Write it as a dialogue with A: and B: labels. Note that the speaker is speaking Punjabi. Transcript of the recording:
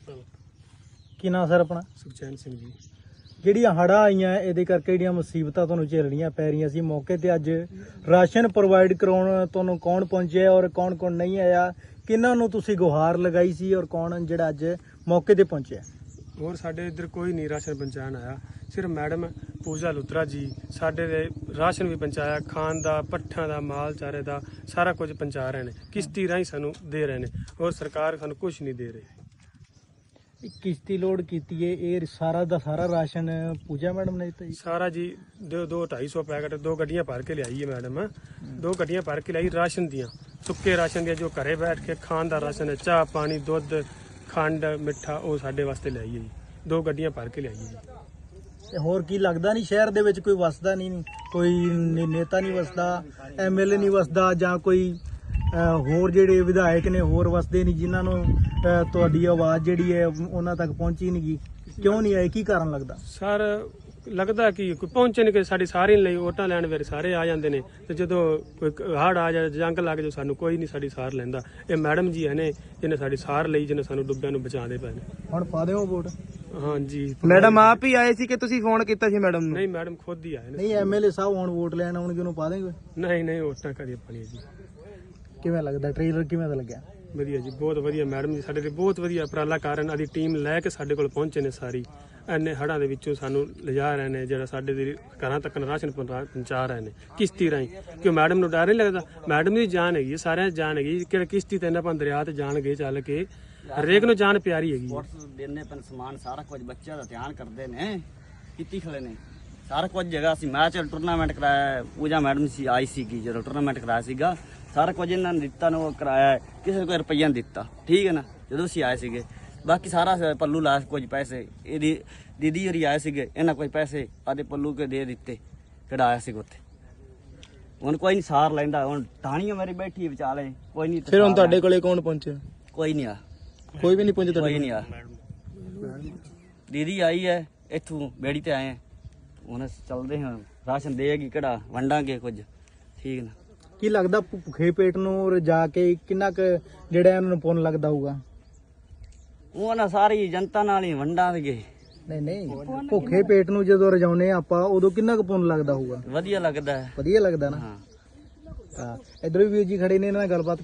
A: ਕੀ ਨਾਂ ਸਰ ਆਪਣਾ?
B: ਸੁਖਚੈਨ ਸਿੰਘ ਜੀ।
A: ਜਿਹੜੀਆਂ ਹੜ੍ਹਾਂ ਆਈਆਂ ਇਹਦੇ ਕਰਕੇ ਜਿਹੜੀਆਂ ਮੁਸੀਬਤਾਂ ਤੁਹਾਨੂੰ ਝੇਲਣੀਆਂ ਪੈ ਰਹੀਆਂ ਸੀ, ਮੌਕੇ ਤੇ ਅੱਜ ਰਾਸ਼ਨ ਪ੍ਰੋਵਾਈਡ ਕਰਾਉਣ ਤੁਹਾਨੂੰ ਕੌਣ ਪਹੁੰਚਿਆ ਔਰ ਕੌਣ ਨਹੀਂ ਆਇਆ? ਕਿਹਨਾਂ ਨੂੰ ਤੁਸੀਂ ਗੁਹਾਰ ਲਗਾਈ ਸੀ ਔਰ ਕੌਣ ਜਿਹੜਾ ਅੱਜ ਮੌਕੇ ਤੇ ਪਹੁੰਚਿਆ?
B: ਹੋਰ ਸਾਡੇ ਇੱਧਰ ਕੋਈ ਨਹੀਂ ਰਾਸ਼ਨ ਪਹੁੰਚਾਉਣ ਆਇਆ, ਸਿਰਫ ਮੈਡਮ ਪੂਜਾ ਲੁਤਰਾ ਜੀ ਸਾਡੇ ਦੇ ਰਾਸ਼ਨ ਵੀ ਪਹੁੰਚਾਇਆ, ਖਾਣ ਦਾ, ਪੱਠਿਆਂ ਦਾ, ਮਾਲ ਚਾਰੇ ਦਾ ਸਾਰਾ ਕੁਝ ਪਹੁੰਚਾ ਰਹੇ ਨੇ, ਕਿਸ਼ਤੀ ਰਾਹੀਂ ਸਾਨੂੰ ਦੇ ਰਹੇ ਨੇ। ਹੋਰ ਸਰਕਾਰ ਸਾਨੂੰ ਕੁਝ ਨਹੀਂ ਦੇ ਰਹੀ।
A: ਕਿਸ਼ਤੀ ਲੋਡ ਕੀਤੀ ਹੈ, ਇਹ ਸਾਰਾ ਦਾ ਸਾਰਾ ਰਾਸ਼ਨ ਪੂਜਾ ਮੈਡਮ ਨੇ ਦਿੱਤਾ ਜੀ?
B: ਸਾਰਾ ਜੀ 250 ਪੈਕਟ 2 ਗੱਡੀਆਂ ਭਰ ਕੇ ਲਿਆਈ ਹੈ ਮੈਡਮ। 2 ਗੱਡੀਆਂ ਭਰ ਕੇ ਲਿਆਈ ਰਾਸ਼ਨ ਦੀਆਂ, ਸੁੱਕੇ ਰਾਸ਼ਨ ਦੀਆਂ, ਜੋ ਘਰੇ ਬੈਠ ਕੇ ਖਾਣ ਦਾ ਰਾਸ਼ਨ ਹੈ, ਚਾਹ ਪਾਣੀ ਦੁੱਧ ਖੰਡ ਮਿੱਠਾ, ਉਹ ਸਾਡੇ ਵਾਸਤੇ ਲਿਆਈ ਹੈ ਜੀ। 2 ਗੱਡੀਆਂ ਭਰ ਕੇ ਲਿਆਈ ਹੈ ਜੀ।
A: ਤੇ ਹੋਰ ਕੀ ਲੱਗਦਾ ਨਹੀਂ ਸ਼ਹਿਰ ਦੇ ਵਿੱਚ ਕੋਈ ਵਸਦਾ ਨਹੀਂ, ਕੋਈ ਨੇਤਾ ਨਹੀਂ ਵਸਦਾ, ਐਮਐਲਏ ਨਹੀਂ ਵਸਦਾ, ਜਾਂ ਕੋਈ ਹੋਰ ਜਿਹੜੇ ਵਿਧਾਇਕ ਨੇ ਹੋਰ ਵਸਦੇ ਨਹੀਂ ਜਿਨ੍ਹਾਂ ਨੂੰ ਤੁਹਾਡੀ ਆਵਾਜ਼ ਜਿਹੜੀ ਹੈ ਉਹਨਾਂ ਤੱਕ ਪਹੁੰਚੀ ਨਹੀਂ ਗਈ? ਕਿਉਂ ਨਹੀਂ ਆਏ, ਕੀ ਕਾਰਨ ਲੱਗਦਾ
B: ਸਰ? ਲੱਗਦਾ ਕਿ ਕੋਈ ਪਹੁੰਚੇ ਨਹੀਂ, ਕਿ ਸਾਡੀ ਸਾਰੀ ਲਈ ਵੋਟਾਂ ਲੈਣ ਵੇਲੇ ਸਾਰੇ ਆ ਜਾਂਦੇ ਨੇ, ਤੇ ਜਦੋਂ ਕੋਈ ਹੜ੍ਹ ਆ ਜਾਏ, ਜੰਗ ਲੱਗ ਜਾਏ, ਸਾਨੂੰ ਕੋਈ ਨਹੀਂ ਸਾਡੀ ਸਾਰ ਲੈਂਦਾ। ਇਹ ਮੈਡਮ ਜੀ ਨੇ ਜਿਹਨੇ ਸਾਡੀ ਸਾਰ ਲਈ, ਜਿਹਨੇ ਸਾਨੂੰ ਡੁੱਬਿਆਂ ਨੂੰ ਬਚਾਉਂਦੇ ਪਏ ਨੇ।
A: ਹੁਣ ਪਾ ਦਿਓ ਵੋਟ?
B: ਹਾਂਜੀ
C: ਮੈਡਮ ਆਪ ਹੀ ਆਏ ਸੀ ਕਿ ਤੁਸੀਂ ਫੋਨ ਕੀਤਾ ਸੀ ਮੈਡਮ ਨੂੰ?
B: ਨਹੀਂ, ਮੈਡਮ ਖੁਦ ਹੀ ਆਏ ਨੇ।
A: ਨਹੀਂ, ਐਮਐਲਏ ਸਾਹਿਬ ਹੁਣ ਵੋਟ ਲੈਣ ਆਉਣਗੇ, ਉਹਨੂੰ ਪਾ ਦੇਂਗੇ?
B: ਨਹੀਂ ਵੋਟਾਂ ਕਦੇ ਪਾਣੀ ਜੀ।
A: ਕਿਵੇਂ ਲੱਗਦਾ ਟ੍ਰੇਲਰ, ਕਿਵੇਂ ਦਾ ਲੱਗਿਆ?
B: ਵਧੀਆ ਜੀ, ਬਹੁਤ ਵਧੀਆ। ਮੈਡਮ ਜੀ ਸਾਡੇ ਤੇ ਬਹੁਤ ਵਧੀਆ ਉਪਰਾਲਾ ਕਾਰਨ ਆਦੀ ਟੀਮ ਲੈ ਕੇ ਸਾਡੇ ਕੋਲ ਪਹੁੰਚੇ ਨੇ ਸਾਰੀ। ਇੰਨੇ ਹੜ੍ਹਾਂ ਦੇ ਵਿੱਚੋਂ ਸਾਨੂੰ ਲਿਜਾ ਰਹੇ ਨੇ, ਜਿਹੜਾ ਸਾਡੇ ਦੇ ਘਰਾਂ ਤੱਕ ਰਾਸ਼ਨ ਪਹੁੰਚਾ ਰਹੇ ਨੇ ਕਿਸ਼ਤੀ ਰਾਹੀਂ। ਕਿਉਂ ਮੈਡਮ ਨੂੰ ਡਰ ਨਹੀਂ ਲੱਗਦਾ? ਮੈਡਮ ਦੀ ਜਾਨ ਹੈਗੀ, ਸਾਰਿਆਂ ਦੀ ਜਾਨ ਹੈਗੀ। ਕਿਹੜੇ ਕਿਸ਼ਤੀ ਤੇ ਆਪਾਂ ਦਰਿਆ ਤੇ ਜਾਣਗੇ ਚੱਲ ਕੇ, ਹਰੇਕ ਨੂੰ ਜਾਨ ਪਿਆਰੀ ਹੈਗੀ।
D: ਦੇਣੇ ਪੈਣ ਸਮਾਨ ਸਾਰਾ ਕੁਝ ਬੱਚਿਆਂ ਦਾ ਧਿਆਨ ਕਰਦੇ ਨੇ, ਕੀਤੀ ਖੜੇ ਨੇ ਸਾਰਾ ਕੁਝ। ਜਗ੍ਹਾ ਸੀ ਮੈਚ ਟੂਰਨਾਮੈਂਟ ਕਰਾਇਆ, ਪੂਜਾ ਮੈਡਮ ਸੀ ਆਈ ਸੀਗੀ ਜਦੋਂ ਟੂਰਨਾਮੈਂਟ ਕਰਾਇਆ ਸੀਗਾ, ਸਾਰਾ ਕੁਝ ਇਹਨਾਂ ਨੇ ਦਿੱਤਾ ਨੂੰ ਕਰਾਇਆ, ਕਿਸੇ ਨੂੰ ਕੋਈ ਰੁਪਈਆ ਨਹੀਂ ਦਿੱਤਾ, ਠੀਕ ਹੈ ਨਾ, ਜਦੋਂ ਅਸੀਂ ਆਏ ਸੀਗੇ। ਬਾਕੀ ਸਾਰਾ ਪੱਲੂ ਲਾ ਕੁਝ ਪੈਸੇ, ਇਹਦੀ ਦੀਦੀ ਹੋਰੀ ਆਏ ਸੀਗੇ, ਇਹਨਾਂ ਕੋਈ ਪੈਸੇ ਆਦੇ ਪੱਲੂ ਕੇ ਦੇ ਦਿੱਤੇ, ਕਢਾਇਆ ਸੀ ਉੱਥੇ। ਹੁਣ ਕੋਈ ਨਹੀਂ ਸਾਰ ਲੈਂਦਾ, ਹੁਣ ਟਾਣੀਆਂ ਮੇਰੀ ਬੈਠੀ ਵਿਚਾਲੇ, ਕੋਈ ਨਹੀਂ।
C: ਫਿਰ ਹੁਣ ਤੁਹਾਡੇ ਕੋਲੇ ਕੌਣ ਪਹੁੰਚਿਆ?
D: ਕੋਈ ਨਹੀਂ ਆ,
C: ਕੋਈ ਵੀ ਨਹੀਂ ਪਹੁੰਚਿਆ
D: ਕੋਈ ਨਹੀਂ ਆ। ਦੀਦੀ ਆਈ ਹੈ ਇੱਥੋਂ ਬੇੜੀ ਤੇ ਆਏ, ਹੁਣ ਚੱਲਦੇ ਹਾਂ, ਰਾਸ਼ਨ ਦੇਗੀ ਕਿਹੜਾ ਵੰਡਾਂਗੇ ਕੁਝ, ਠੀਕ ਨਾ।
A: ਕੀ ਲੱਗਦਾ ਭੁੱਖੇ ਪੇਟ ਨੂੰ ਰਜਾ ਕੇ ਕਿੰਨਾ ਕੁ ਜਿਹੜਾ ਇਹਨਾਂ ਨੂੰ ਪੁੰਨ ਲੱਗਦਾ ਹੋਊਗਾ?
D: ਉਹ ਨਾ ਸਾਰੀ ਜਨਤਾ ਨਾਲ ਹੀ ਵੰਡਾਂਗੇ।
A: ਨਹੀਂ, ਭੁੱਖੇ ਪੇਟ ਨੂੰ ਜਦੋਂ ਰਜਾਉਨੇ ਆਪਾਂ ਉਦੋਂ ਕਿੰਨਾ ਕੁ ਪੁੰਨ ਲੱਗਦਾ ਹੋਊਗਾ?
D: ਵਧੀਆ ਲੱਗਦਾ ਹੈ।
A: ਵਧੀਆ ਲੱਗਦਾ ਨਾ?
D: ਹਾਂ।
A: ਹਾਂ, ਇਧਰ ਵੀ ਵੀਰ ਜੀ ਖੜੇ ਨੇ, ਇਹਨਾਂ ਨਾਲ ਗੱਲਬਾਤ